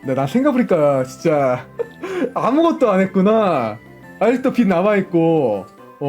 네, 나 생각해보니까 진짜 아무것도 안 했구나. 아직도 빚 남아있고.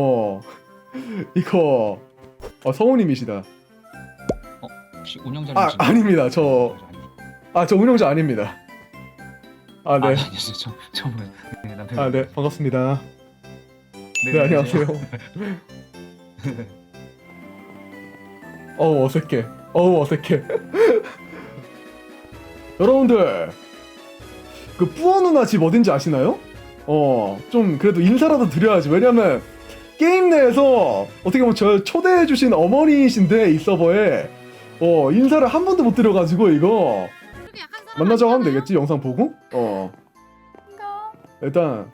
이거 성우님이시다. 혹시 운영자님? 아닙니다. 저 운영자 아닙니다. 네. 아니요, 저는 네, 남편. 네, 반갑습니다. 네, 안녕하세요. 어색해. 어색해. 여러분들, 그 뿌어 누나 집 어딘지 아시나요? 좀 그래도 인사라도 드려야지. 왜냐면 게임 내에서 어떻게 보면 저 초대해주신 어머니이신데 이 서버에 인사를 한 번도 못 드려가지고 이거 만나자고 하면 되겠지? 영상 보고? 일단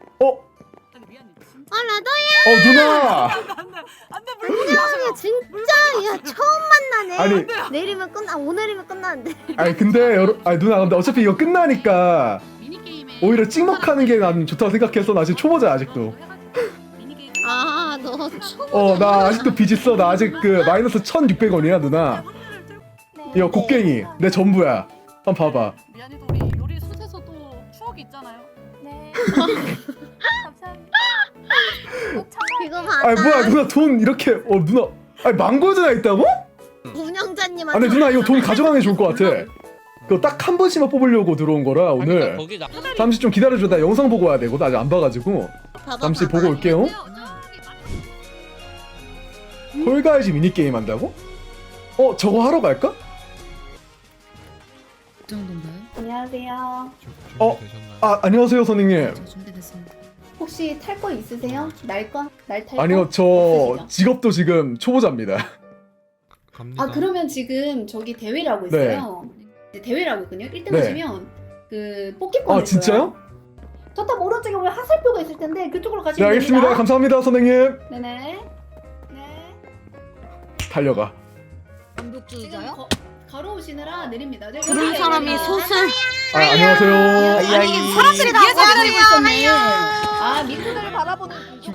라더야. 누나! 안돼 물고기 진짜 야 처음 만나네. 아니, 내일이면 오늘이면 끝나는데. 근데 누나, 근데 어차피 이거 끝나니까 오히려 찍먹하는 게 난 좋다고 생각해서 나 지금 초보자 아직도. 너 초보. 나 아직도 빚 있어. 나 아직 그 마이너스 1,600원이야 누나. 이거 곡괭이 내 전부야. 한번 봐봐. 미안해도 우리 요리 숯에서 또 추억이 있잖아요. 네. 감사합니다. 꼭 참아. 이거 봐. 뭐야 누나 돈 이렇게 누나 망고 누나 있다고? 운영자님한테. 아니 누나 이거 돈 가져가는 게 좋을 것 같아. 그거 딱 한 번씩만 뽑으려고 들어온 거라 오늘. 잠시 좀 기다려줘. 나 영상 보고 와야 되고 나 아직 안 봐가지고. 잠시 보고 올게요. 홀가이즈 미니게임 한다고? 저거 하러 갈까? 그 정도인가요? 안녕하세요. 안녕하세요 선생님. 저 준비됐습니다. 혹시 탈 거 있으세요? 날 거? 날 탈 거? 아니요 저 없으시죠? 직업도 지금 초보자입니다. 그러면 지금 저기 대회를 하고 있어요. 네, 대회를 하고 있거든요. 1등 네. 하시면 그 뽑기권 진짜요? 저탑 오른쪽에 보면 화살표가 있을 텐데 그쪽으로 네 가시면 알겠습니다. 됩니다. 감사합니다 선생님. 네네. 네. 달려가. 지금 반복주의자요? 걸어오시느라 내립니다. 네, 그런 여기 사람이 내립니다. 솥을. 안녕하세요. 아니 사람들이 다 위에서 기다리고 모아주세요. 있었네. 밑에를 바라보는.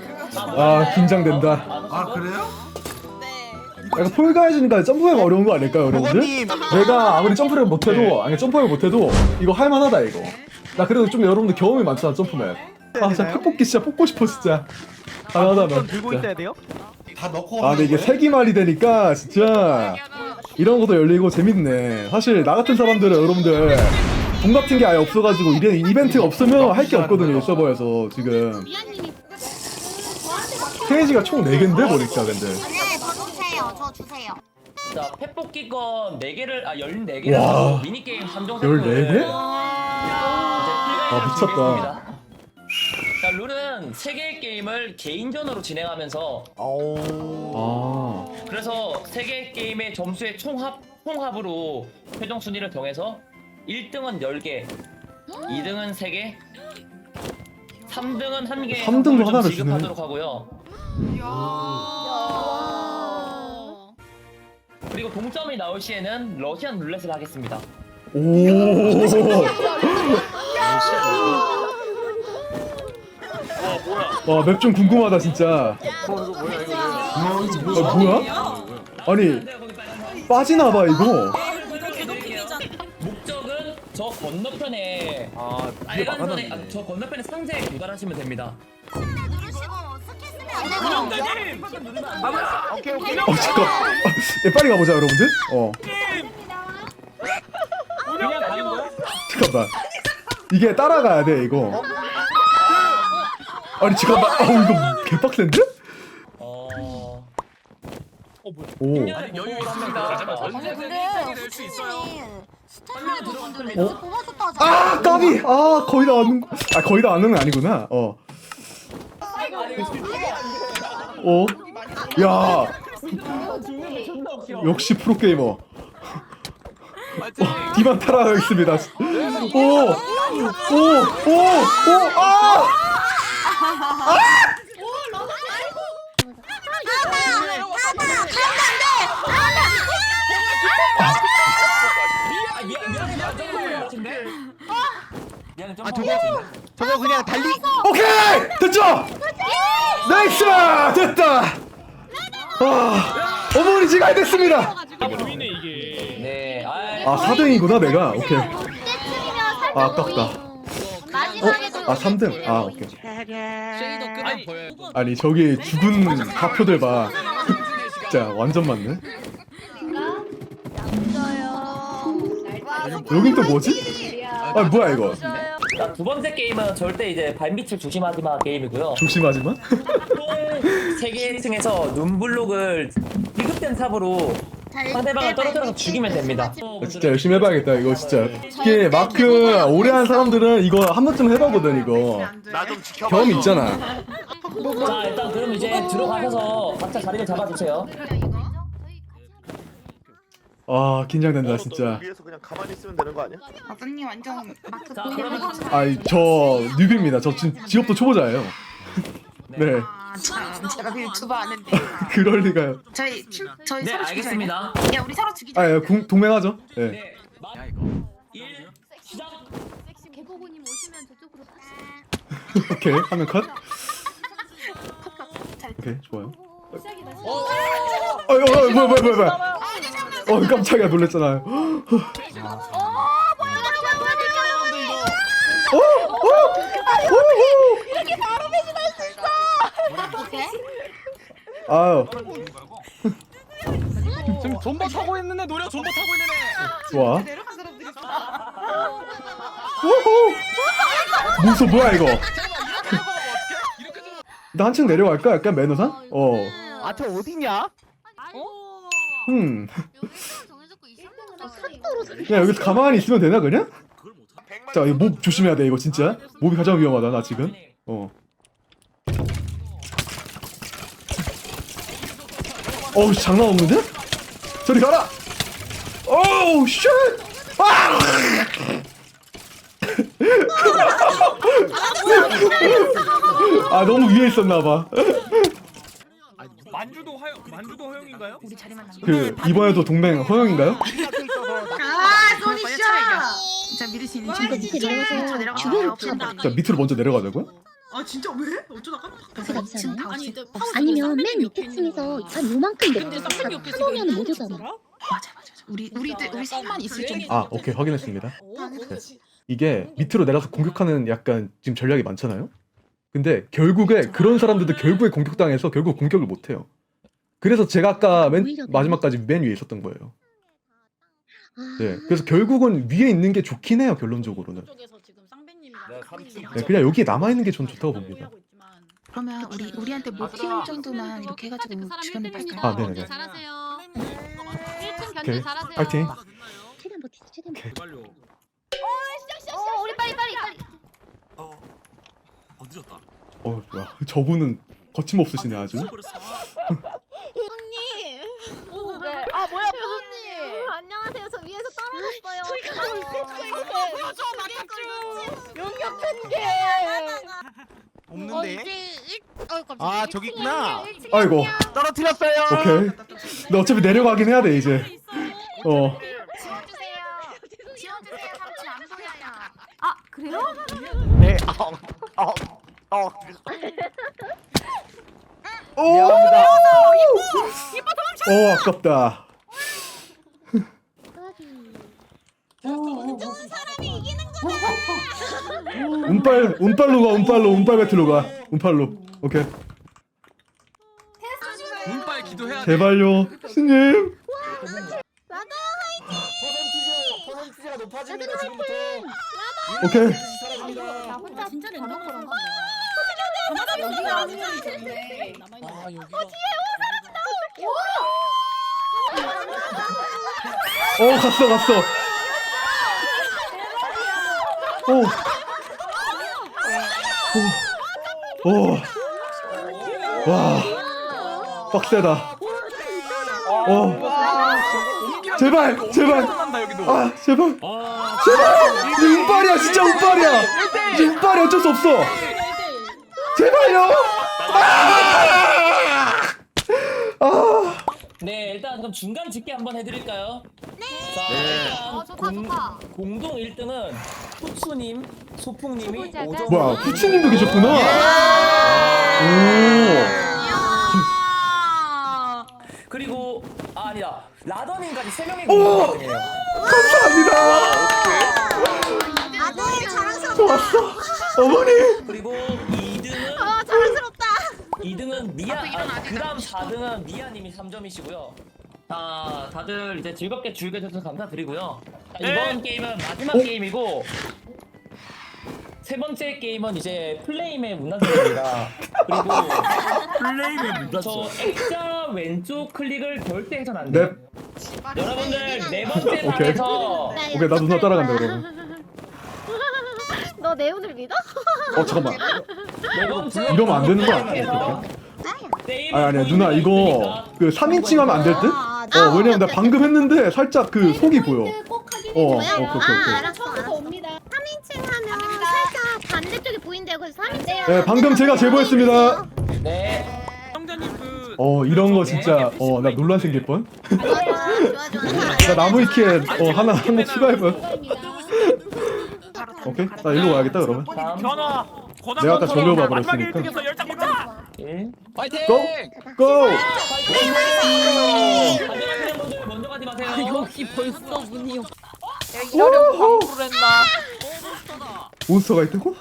긴장된다. 그래요? 약간 폴가이즈니까 점프가 어려운 거 아닐까요, 여러분들? 내가 아무리 점프를 못해도, 점프를 못해도 이거 할만하다 이거. 나 그래도 좀 여러분들 경험이 많잖아 점프맨. 진짜 팩뽑기 진짜 뽑고 싶어 진짜. 하나하나. 들고 있어야 돼요? 다 넣고 근데 이게 세기말이 되니까 진짜 이런 것도 열리고 재밌네. 사실 나 같은 사람들은 여러분들 돈 같은 게 아예 없어가지고 이벤트가 없으면 할 게 없거든요 이 서버에서 지금. 스테이지가 총 4개인데 보니까 근데. 저 주세요. 자, 펫뽑기권 4개를 14개를 와. 미니게임 3종 14개? 미쳤다. 미쳤다. 자, 룰은 3개의 게임을 개인전으로 진행하면서 그래서 3개의 게임의 점수의 총합으로 최종 순위를 정해서 1등은 10개, 2등은 3개, 3등은 1개 3등도 하나를 주네. 지급하도록 하고요. 그리고 동점이 나올 시에는 러시안 룰렛을 하겠습니다. 오. 와, 맵 좀 궁금하다 진짜. 뭐야? 아니 빠지나봐 이거. 목적은 저 건너편에 빨간선에 저 건너편에 상자에 도달하시면 됩니다. 잠깐. 빨리 가보자 여러분들. 그냥 가는 거야? 잠깐만. 이게 따라가야 돼 이거. 아니 잠깐만. 이거 개빡센데? 오. 아니 여유 있습니다. 낼수 있어요. 뽑아줬다 하잖아. 까비. 거의 다 왔는. 거의 다 왔는 건 아니구나. 야. 역시 프로게이머. 디만 따라가겠습니다. 미안해 저거 그냥 달리. 오케이 됐죠. 나이스 됐다. 어머니 지가 됐습니다. 네. 4등이구나 내가. 오케이. 그때쯤이면 살 아, 아깝다. 마지막에도 아 3등. 아 오케이. 쉐이더 끄면 보여요. 아니 저기 죽은 가표들 봐. 진짜 완전 많네. 여긴 또 뭐지? 아 뭐야 이거? 자, 두 번째 게임은 절대 이제 발밑을 조심하지 마 게임이고요. 조심하지만. 세계층에서 눈블록을 비급된 삽으로 상대방을 떨어뜨려서 죽이면 됩니다. 진짜 열심히 해봐야겠다 이거 진짜. 이게 마크 오래 한 사람들은 이거 한 번쯤 해봐거든 이거. 나 좀 지켜봐. 경험 있잖아. 자 일단 그럼 이제 들어가셔서 각자 자리를 잡아주세요. 아 긴장된다 진짜. 위에서 그냥 가만히 있으면 되는 거 아니야? 아버님 완전 마크 자 그러면 아이 저 뉴비입니다. 저 지금 직업도 초보자예요. 네. 참 제가 그 유튜버 아는데 그럴 리가요. 저희 네 서로 죽이자. 알겠습니다. 야 우리 서로 죽이자. 아 예, 동맹하죠. 네. 네, 1 시작. 개보고님 오시면 저쪽으로 오케이 화면 컷. 오케이 좋아요. 시작이다. 뭐야. 깜짝이야 놀랬잖아요. 아유 지금 존버 타고 있는 애 노려 존버 타고 있는 애. 좋아. 내려간 사람들이 우후. 무서 뭐야 이거? 나 한층 내려갈까? 약간 매너상? 아, 저 어디냐? 야 여기서 가만히 있으면 되나 그냥? 자 이거 몹 조심해야 돼 이거 진짜. 몹이 가장 위험하다 나 지금. 어우 장난 없는데? 저리 가라! 오우 쉣! 아! 아 너무 위에 있었나봐. 만주도 허용인가요? 우리 자리만 남겨. 그 이번에도 동맹 허용인가요? 아 소니샤. 진짜 믿을 수 있는 친구. 저 내려가. 자 밑으로 먼저 내려가자고요? 아 진짜 왜? 어쩌다가? 지금 다 아니 없애. 근데 파워 아니면 맨 밑에 층에서 한 요만큼 근데 쌍둥이 옆에 하면 못 오잖아. 맞아. 우리 셋만 있을 줄. 아 오케이 확인했습니다. 네. 이게 밑으로 내려서 공격하는 약간 지금 전략이 많잖아요. 근데 결국에 그런 사람들도 결국에 공격당해서 결국 공격을 못해요. 그래서 제가 아까 맨 마지막까지 맨 위에 있었던 거예요. 네, 그래서 결국은 위에 있는 게 좋긴 해요 결론적으로는. 네, 그냥 여기에 남아 있는 게 전 좋다고 봅니다. 그러면 우리한테 못 튀울 정도만 이렇게 해가지고 주변에 발까요? 아 네네네. 잘하세요. 1층 오케이 견제 잘하세요. 파이팅. 최대한 버티자. 최대한 버티자. 빨리. 우리 빨리. 늦었다. 야, 저분은 거침없으시네 아주. 네. 아 뭐야 부모님. 안녕하세요. 저 위에서 떨어졌어요. 보여줘 마카쭈. 용역 팬게. 없는데? 아, 저기 있구나. 아이고. 떨어뜨렸어요. 오케이. 근데 어차피 내려가긴 해야 돼 이제. 지워주세요. 삼촌 안 보여요. 아 그래요? 네. 미안합니다. 아깝다. 좋은 사람이 이기는 운빨로 배틀로 가. 운빨로. 오케이. 운빨 기도해야 돼. 제발요, 신님. 퍼센티지가 높아집니다 지금부터. 오케이. 나 혼자 진짜 랜덤으로 가. 여기가 아 여기가. 갔어. 와, 빡세다. 제발. 한다 여기도. 제발. 이게 운빨이야, 진짜 운빨이야. 이게 운빨이 어쩔 수 없어. 제발요. 네 일단 그럼 중간 집계 한번 해드릴까요? 네. 자 일단 좋다. 공동 1등은 후추님, 소풍님이 5점. 뭐야, 후치님도 계셨구나. 그리고 아니다 라더님까지 3명이 오! 공동 1등이에요. 감사합니다. 아들 어머니. 그리고 2등은 자랑스럽다. 2등은 미아. 그다음 4등은 미아님이 3점이시고요. 자, 다들 이제 즐겁게 즐겨주셔서 감사드리고요. 자, 이번 게임은 마지막 게임이고 세 번째 게임은 이제 플레임의 문단속입니다. 그리고 플레임의 저 X자 왼쪽 클릭을 절대 해선 안 돼요. 네. 여러분들 네 번째 오케이. 판에서 오케이 나 누나 따라간다 그러면. 너 내 오늘 믿어? 잠깐만. 네 번째 이러면 안 되는 거 아니야? 아니야 누나 이거 그 3인칭 하면 안 될 듯? 왜냐면 나 방금 했는데 살짝 그 속이 보여. 꼭 확인해 오케이 주세요. 오케이. 알았어, 처음부터 알았어. 옵니다. 3인칭 하면 살짝 반대쪽이 보인대요. 그래서 3인칭 네 방금 제가 제보했습니다. 네. 성자님 그 이런 거 진짜 나 논란 생길 뻔. 좋아. 나 나무위키에 하나 한 거 추가해봐. 오케이 나 일로 와야겠다 그러면. 변화 고난 내가 아까 컨트롤 저기로 마지막 봐버렸으니까. 1등에서 열장 먹자. 1. 파이팅! 고! 고! 가져가시는 분들 먼저 가지 마세요. 여기 벌써 문이 없. 이러려고 광고를 했나? 몬스터가 있다고?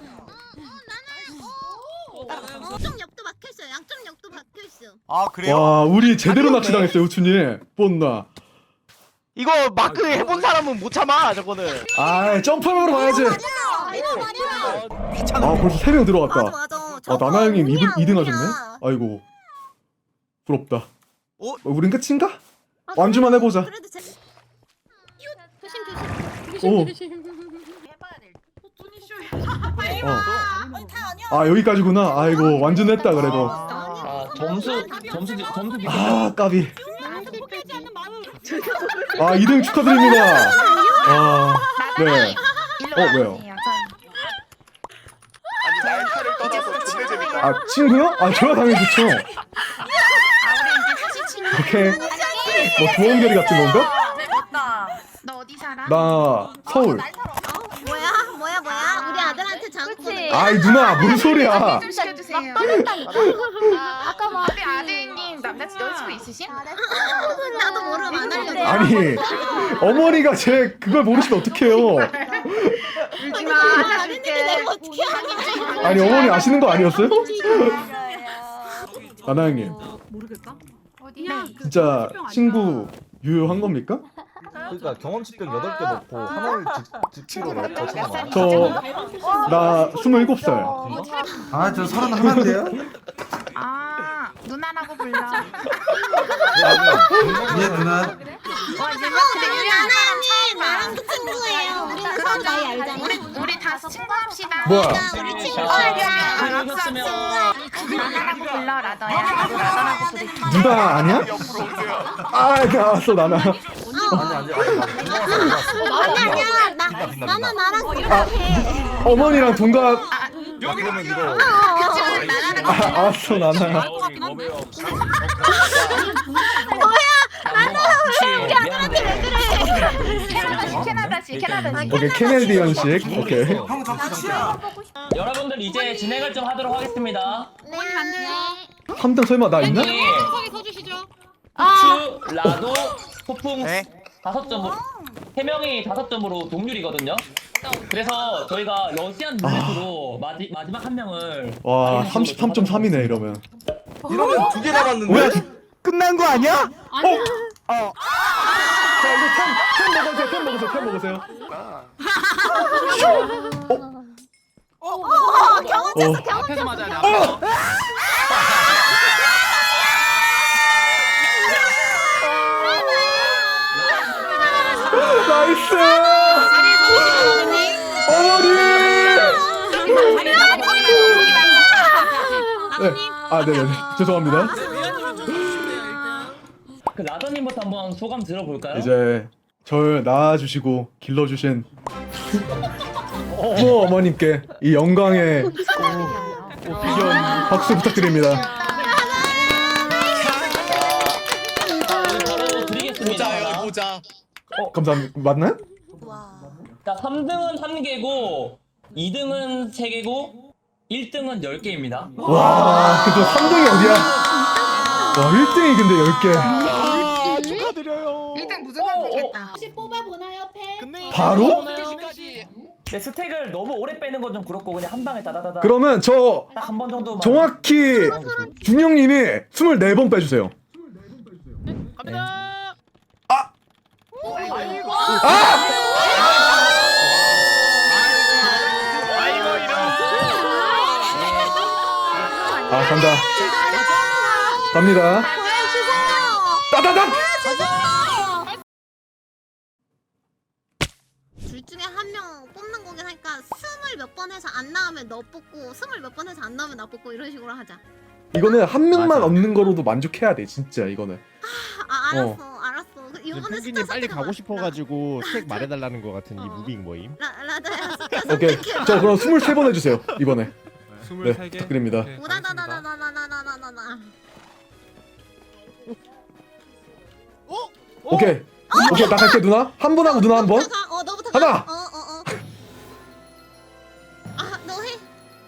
양쪽 역도 박혀있어. 양쪽 역도 박혀있어. 아 그래요? 와 우리 제대로 낚시당했어요 우춘이. 뻔나. 이거 마크 해본 사람은 못 참아 저거는. 아 점프하러 가야지. 아 벌써 3명 들어왔다. 나나 형님 2등 하셨네. 아이고 부럽다. 우린 끝인가? 완주만 해보자. 그래도 오. 아 여기까지구나. 아이고 완주했다 그래도. 점수 아 까비. 아 2등 축하드립니다. 아 네. 왜요? 아니 날카를 떠나서 진짜 재밌다. 아 친구요? 아 저야 당연히 좋죠. 오케이. 뭐 조원결이 같은 건가? 너 어디 살아? 나 서울. 뭐야? 우리 아들한테 장구. 아이 누나 무슨 소리야? 좀 시켜주세요. 아까 뭐 우리 아드님 여자친구 있으신? 나도 모르면 안 알려줘. 아니 어머니가 제 그걸 모르시면 어떡해요? 울지마. 아는데 내가 어떻게 하냐? 아니 어머니 아시는 거 아니었어요? 나나 형님 모르겠다. 어디야? 진짜 친구 유효한 겁니까? 그러니까 경험치병 8개 넣고 하나를 직치로 넣고 쳐봐. 나 27살. 아, 저 31인데요? 아 누나라고 불러. 예, 누나. 나랑 친구예요. 우리는 서로 나이 알잖아. 우리 다 친구합시다. 뭐야? 우리 친구. 누나라고 불러 라더야. 라더라고 부르지. 누나 아니야? 아 나왔어 나나. 아니야. 나는 나랑 아 어머니랑 동갑. 그러면 이거 알았어 나나. 오케이 캐네디언식. 오케이. 형 접수야. 여러분들 이제 진행을 좀 하도록 하겠습니다. 네. 3등 설마 나 있나? 서주시죠. 후추, 라도, 소풍 네. 5점으로 3명이 5점으로 동률이거든요. 그래서 저희가 러시안 룰렛으로 마지막 한 명을 와 33.3이네 이러면. 이러면 2개 남았는데. 뭐야? 끝난 거 아니야? 자 이거 캔 먹으세요. 캔 먹으세요. 앞에서 맞아야 돼. 앞에서. 나이스. 어머니. 네. 아 네네네. 죄송합니다. 그 라더님부터 한번 소감 들어볼까요? 이제 절 낳아주시고 길러주신 부모 어머님께 이 영광의 박수 부탁드립니다. 바로 드리겠습니다. 보자. 감사합니다. 맞나요? 자, 3등은 1개고 2등은 3개고 1등은 10개입니다. 와, 그래도 3등이 어디야? 와, 1등이 근데 10개. 축하드려요. 일단 무조건 되겠다. 혹시 뽑아보나요, 팬? 바로? 근데 스택을 너무 오래 빼는 건 좀 그렇고 그냥 한 방에 다다다다. 그러면 저 딱 한 번 정도만. 정확히 준영님이 24번 빼주세요. 갑니다. 아이고. 아이고 이런. 아 간다. 갑니다. 따다닥. 둘 중에 한 명 뽑는 거긴 하니까 20몇 번 해서 안 나오면 너 뽑고 20몇 번 해서 안 나오면 나 뽑고 이런 식으로 하자. 이거는 한 명만 얻는 거로도 만족해야 돼 진짜 이거는. 알았어. 이번에 펭귄이 빨리 가고 싶어가지고 스택 말해달라는 거 같은 이 무빙 모임. 라다야 오케이. 저 그럼 23번 해주세요 이번에. 네 23개. 부탁드립니다. 오다다다다다다다다다다. 오케이. 오케이 나 갈게 누나. 한 번 하고 누나 한 번. 너부터 하나. 가. 너 해.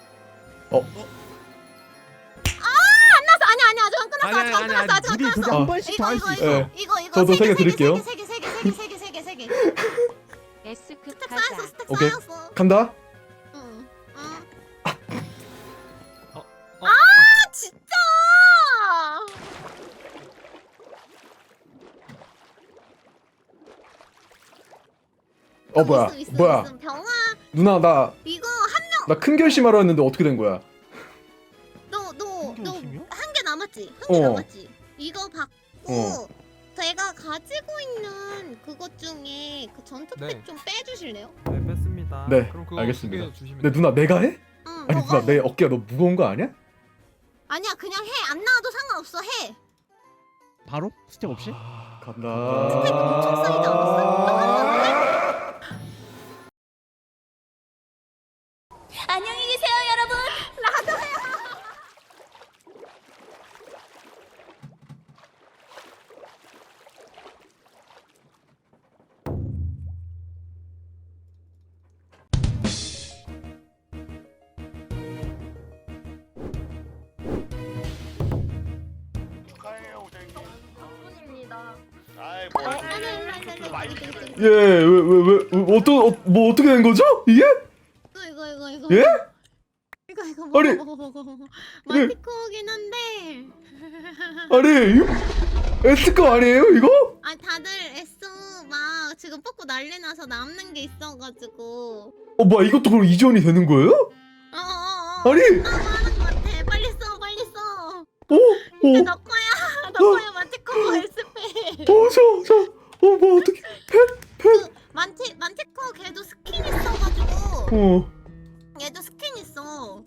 안 나왔어. 아니야. 아직 안 끝났어. 아직 안 끝났어. 아직 안 둘이 끝났어. 한 번씩 더 할 수 있어. 예. 이거 저도 세개 드릴게요. 세 개. S급 스택 가자. 쌓였어. 스택 오케이. 쌓였어. 간다. 응. 어. 진짜. 뭐야 있음, 뭐야 있음. 병아 누나 나 이거 큰 결심하러 했는데 어떻게 된 거야? 너 결심이요? 한 개 남았지? 한 개 어. 남았지? 이거 받고 제가 가지고 있는 그것 중에 그 전투팩 네. 좀 빼주실래요? 네 뺐습니다. 네, 그럼 그거 알겠습니다. 2개 주시면 내 누나 내가 해? 응. 아니 너가 누나 내 어깨가 너무 무거운 거 아니야? 아니야 그냥 해. 안 나와도 상관없어. 해. 바로? 스택 없이? 간다. 스택 엄청 쌓이지 않았어? 안녕히 계세요, 여러분. 예, 왜 어떻게 된 거죠? 이게? 이거. 예? 이거 아니. 먹어. 마티코긴 한데. 아니 이거 S급 아니에요 이거? 아 다들 애써 막 지금 뽑고 난리 나서 남는 게 있어가지고. 뭐야 이것도 그럼 이전이 되는 거예요? 아니. 하는 것 같아. 빨리 써. 이제 너 거야 마티코 S페. 뭐 어떻게? 만티코 걔도 스킨 있어가지고. 얘도 스킨 있어.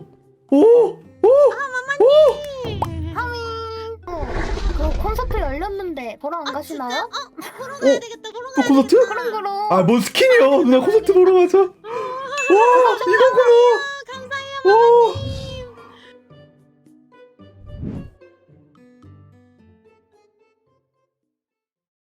그 콘서트 열렸는데 보러 안 가시나요? 보러 가야 되겠다. 또 콘서트? 그럼. 아 뭔 스킨이요? 누나 콘서트 보러 가자. 와 이거구나.